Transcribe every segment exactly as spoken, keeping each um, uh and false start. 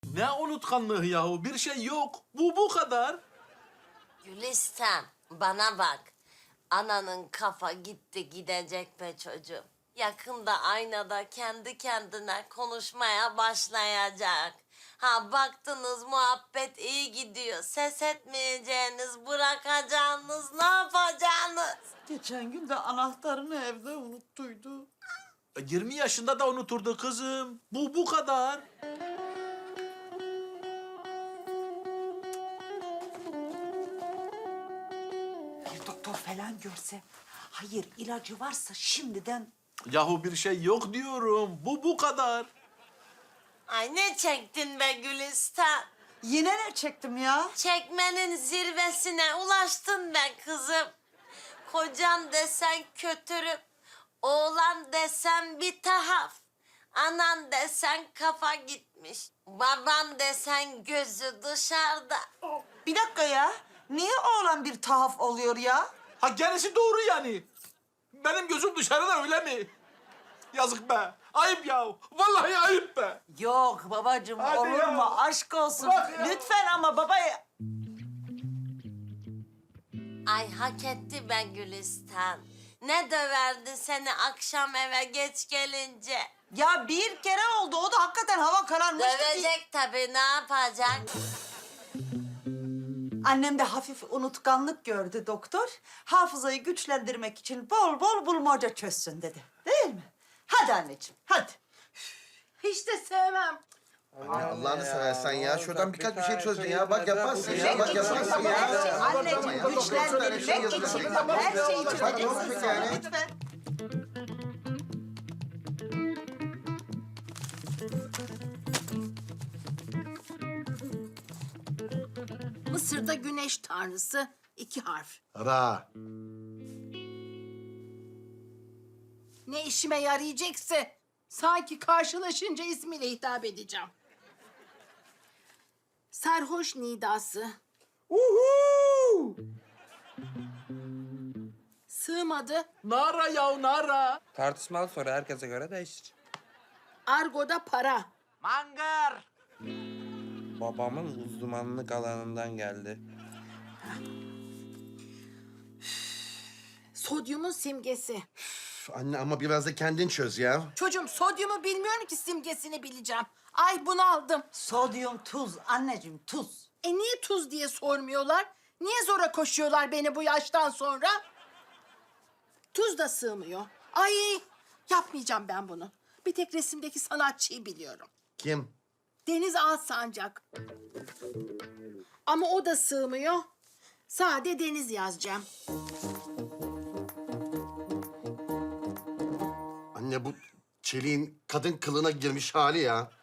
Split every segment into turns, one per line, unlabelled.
Ne unutkanlığı yahu? Bir şey yok. Bu bu kadar.
Gülistan, bana bak. Ananın kafa gitti gidecek be çocuğum. Yakında aynada kendi kendine konuşmaya başlayacak. Ha baktınız muhabbet iyi gidiyor. Ses etmeyeceğiniz, bırakacağınız, ne yapacaksınız?
Geçen gün de anahtarını evde unuttuydu.
E, yirmi yaşında da unuturdu kızım. Bu bu kadar.
Bir doktor falan görse, hayır ilacı varsa şimdiden...
Yahu bir şey yok diyorum. Bu bu kadar.
Ay ne çektin be Gülistan?
Yine ne çektim ya?
Çekmenin zirvesine ulaştın be kızım. Kocan desen kötürüm, oğlan desen bir tahaf, anan desen kafa gitmiş, baban desen gözü dışarıda.
Bir dakika ya. Niye oğlan bir tahaf oluyor ya?
Ha gerisi doğru yani. Benim gözüm dışarıda öyle mi? Yazık be. Ayıp ya. Vallahi ayıp be.
Yok babacığım,
Hadi
olur
ya.
mu? Aşk olsun.
Bırak ya.
Lütfen ama baba...
Ay hak etti be Gülistan. Ne döverdi seni akşam eve geç gelince.
Ya bir kere oldu. O da hakikaten hava kararmıştı.
Dövecek tabii, ne yapacak?
Annem de hafif unutkanlık gördü doktor. Hafızayı güçlendirmek için bol bol bulmaca çözsün dedi. Değil mi? Hadi anneciğim, hadi.
Hiç de sevmem.
Anne Allah'ını seversen ya. Şuradan birkaç bir şey çözdün ya. Bak yaparsın ya. Bak yaparsın ya.
Anneciğim, güçlendirmek için her şeyi çözeceksin
yani.
lütfen.
Mısır'da güneş tanrısı iki harf.
Ra.
Ne işime yarayacaksa sanki karşılaşınca ismiyle hitap edeceğim. Sarhoş nidası.
Uhu!
Sığmadı.
Nara ya nara.
Tartışmalı soru herkese göre değişir.
Argoda para.
Mangar.
Babamın uzmanlık alanından geldi.
Sodyumun simgesi.
Üf, Anne ama biraz da kendin çöz ya.
Çocuğum sodyumu bilmiyorum ki simgesini bileceğim. Ay bunu aldım.
Sodyum tuz anneciğim, tuz.
E niye tuz diye sormuyorlar? Niye zora koşuyorlar beni bu yaştan sonra? Tuz da sığmıyor. Ay yapmayacağım ben bunu. Bir tek resimdeki sanatçıyı biliyorum.
Kim?
Deniz Alsancak. Ama o da sığmıyor. Sade Deniz yazacağım.
Anne bu çeliğin kadın kılına girmiş hali ya.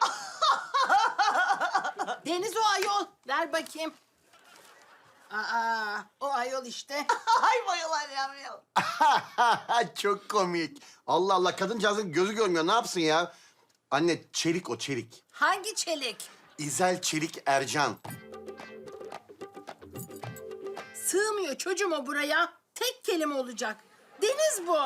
Deniz o ayol. Ver bakayım. Aa, o ayol işte.
Ay bayılar yavrum.
Çok komik. Allah Allah kadıncağızın gözü görmüyor. Ne yapsın ya? Anne çelik o çelik.
Hangi çelik?
İzel Çelik Ercan.
Sığmıyor çocuğum o buraya. Tek kelime olacak. Deniz bu.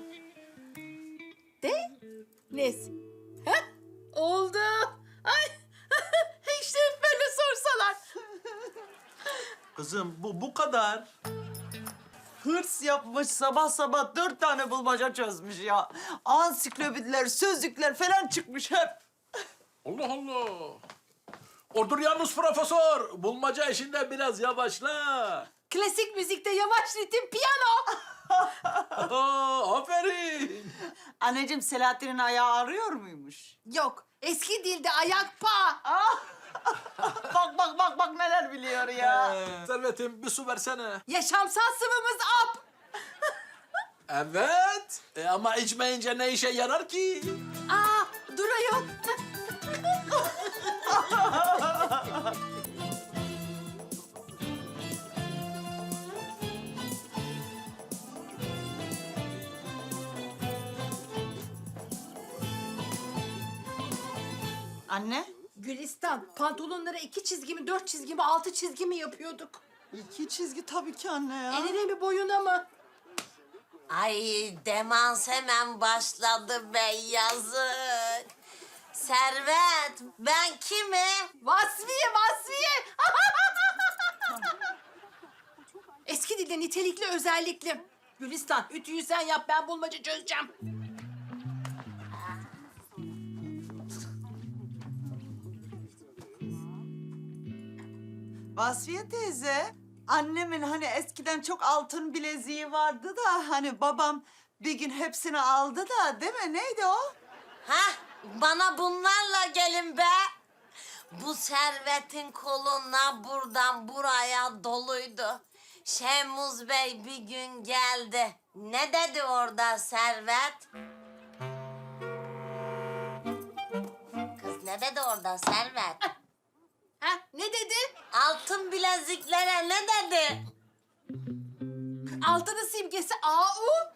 De? Nez. Heh, oldu. Ay, işte hep böyle sorsalar.
Kızım bu bu kadar.
Hırs yapmış, sabah sabah dört tane bulmaca çözmüş ya. Ansiklopediler, sözlükler falan çıkmış hep.
Allah Allah. Odur yalnız profesör. Bulmaca işinde biraz yavaşla.
Klasik müzikte yavaş ritim piyano.
Aa, aferin.
Anneciğim Selahattin'in ayağı ağrıyor muymuş?
Yok, eski dilde ayak pa.
Bak bak bak bak neler biliyor ya.
Ee, Servetim bir su versene.
Yaşamsal sıvımız ap.
Evet. E, ama içmeyince ne işe yarar ki?
Aa, dur ayol.
Anne?
Gülistan, pantolonlara iki çizgi mi, dört çizgi mi, altı çizgi mi yapıyorduk?
İki çizgi tabii ki anne ya.
Eline mi, boyuna mı?
Ay demans hemen başladı be yazık. Servet, ben kimim?
Vasfiye, Vasfiye. Eski dilde nitelikli, özellikli. Gülistan, ütüyü sen yap, ben bulmaca çözeceğim.
Vasfiye teyze, annemin hani eskiden çok altın bileziği vardı da hani babam bir gün hepsini aldı da değil mi? Neydi o?
Hah, bana bunlarla gelin be. Bu servetin koluna buradan buraya doluydu. Şemuz Bey bir gün geldi. Ne dedi orada servet? Kız ne dedi orada servet?
Ha, ne dedi?
Altın bileziklere ne dedi?
Altının simgesi A U.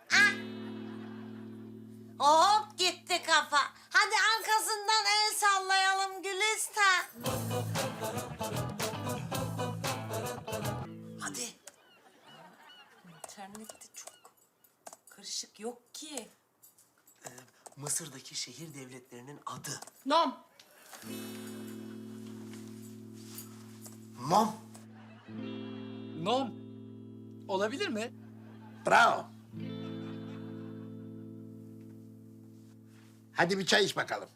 Hop gitti kafa. Hadi arkasından el sallayalım Gülistan.
Hadi. İnternette çok karışık yok ki. Ee, Mısır'daki şehir devletlerinin adı.
Nom.
Mom.
Nom. Olabilir mi?
Bravo. Hadi bir çay iç bakalım.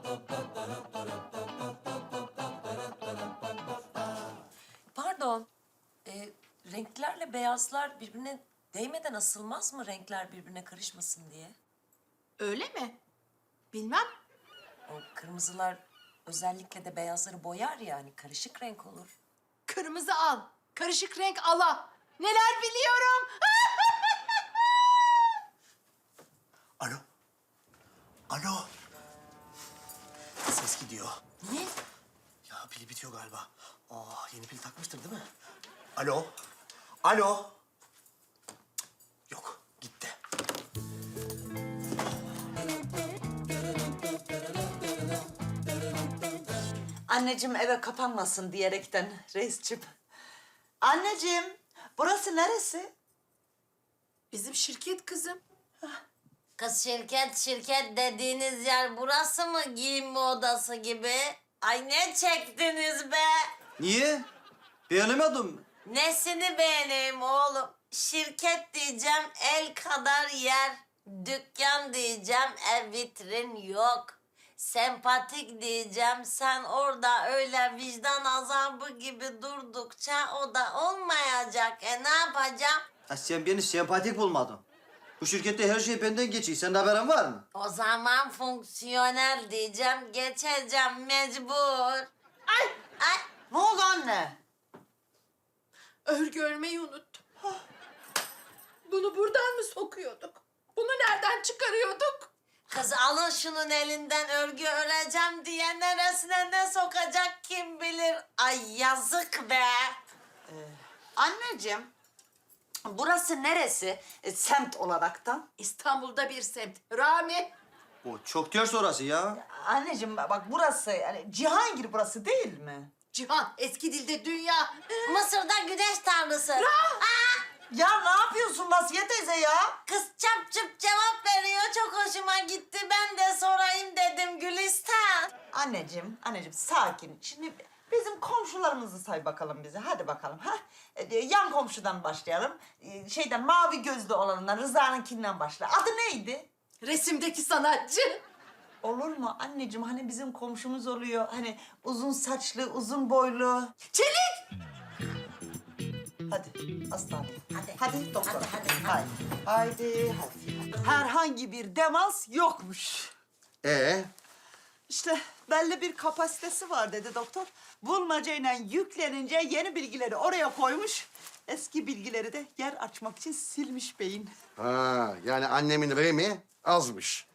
Pardon. Ee, renklerle beyazlar birbirine değmeden asılmaz mı? Renkler birbirine karışmasın diye.
Öyle mi? Bilmem.
O kırmızılar özellikle de beyazları boyar ya hani karışık renk olur.
Kırmızı al, karışık renk ala. Neler biliyorum.
Alo. Alo. Ses gidiyor.
Niye?
Ya pili bitiyor galiba. Aa, yeni pil takmıştır değil mi? Alo. Alo. Cık, yok, gitti.
Anneciğim eve kapanmasın diyerekten reisçim. Anneciğim, burası neresi?
Bizim şirket kızım.
Kız şirket şirket dediğiniz yer burası mı giyinme odası gibi? Ay ne çektiniz be?
Niye? Beğenemedim.
Nesini beğeneyim oğlum? Şirket diyeceğim el kadar yer. Dükkan diyeceğim ev vitrin yok. Sempatik diyeceğim sen orada öyle vicdan azabı gibi durdukça o da olmayacak. E ne yapacağım?
Ha, sen beni sempatik bulmadın. Bu şirkette her şey benden geçiyor. Senin haberin var mı?
O zaman fonksiyonel diyeceğim geçeceğim mecbur. Ay ay.
Ne oldu anne?
Örgü örmeyi unuttum. Bunu buradan mı sokuyorduk? Bunu nereden çıkarıyorduk?
Kız alın şunun elinden örgü öreceğim diye neresine ne sokacak kim bilir. Ay yazık be.
Anneciğim, burası neresi e, semt olaraktan?
İstanbul'da bir semt. Rami.
O çok ters orası ya.
Anneciğim bak burası yani Cihangir burası değil mi?
Cihan, eski dilde dünya.
Mısır'da güneş tanrısı. Aa,
Ya ne yapıyorsun Vasfiye teyze ya?
kız çap çıp cevap veriyor çok hoşuma gitti. Ben de sorayım dedim Gülistan.
Anneciğim, anneciğim sakin. Şimdi bizim komşularımızı say bakalım bize. Hadi bakalım. Ha? Ee, yan komşudan başlayalım. Ee, şeyden mavi gözlü olanından Rıza'nınkinden başla. Adı neydi?
Resimdeki sanatçı.
Olur mu anneciğim? Hani bizim komşumuz oluyor. Hani uzun saçlı, uzun boylu.
Çelik.
Hadi hastane.
Hadi.
Hadi doktor.
Hadi, hadi,
Haydi. Haydi, hadi. Herhangi bir demans yokmuş.
Ee,
İşte belli bir kapasitesi var dedi doktor. Bulmacayla yüklenince yeni bilgileri oraya koymuş. Eski bilgileri de yer açmak için silmiş beyin.
ha, yani annemin remi azmış.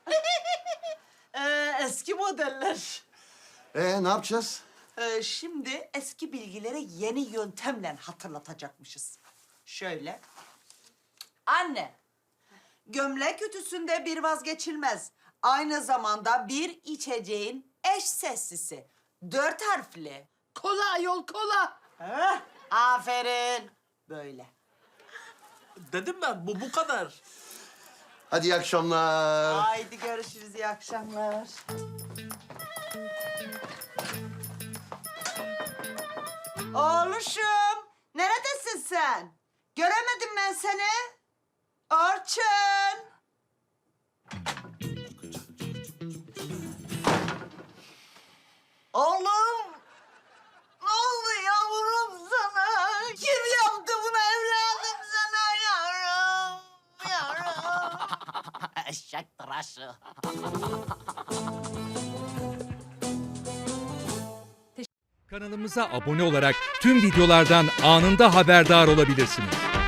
Ee, eski modeller.
Ee, ne yapacağız?
Ee, şimdi eski bilgileri yeni yöntemle hatırlatacakmışız. Şöyle. Anne, gömlek ütüsünde bir vazgeçilmez. Aynı zamanda bir içeceğin eş seslisi. Dört harfli.
Kola ayol kola.
Heh, aferin. Böyle.
Dedim ben bu bu kadar.
Hadi iyi akşamlar.
Haydi görüşürüz, iyi akşamlar. Oğluşum, neredesin sen? Göremedim ben seni. Orçun. Oğlum, ne oldu yavrum sana? Kim yaptı bunu evladım sana yavrum? Yavrum.
Eşek tıraşı.
Kanalımıza abone olarak tüm videolardan anında haberdar olabilirsiniz.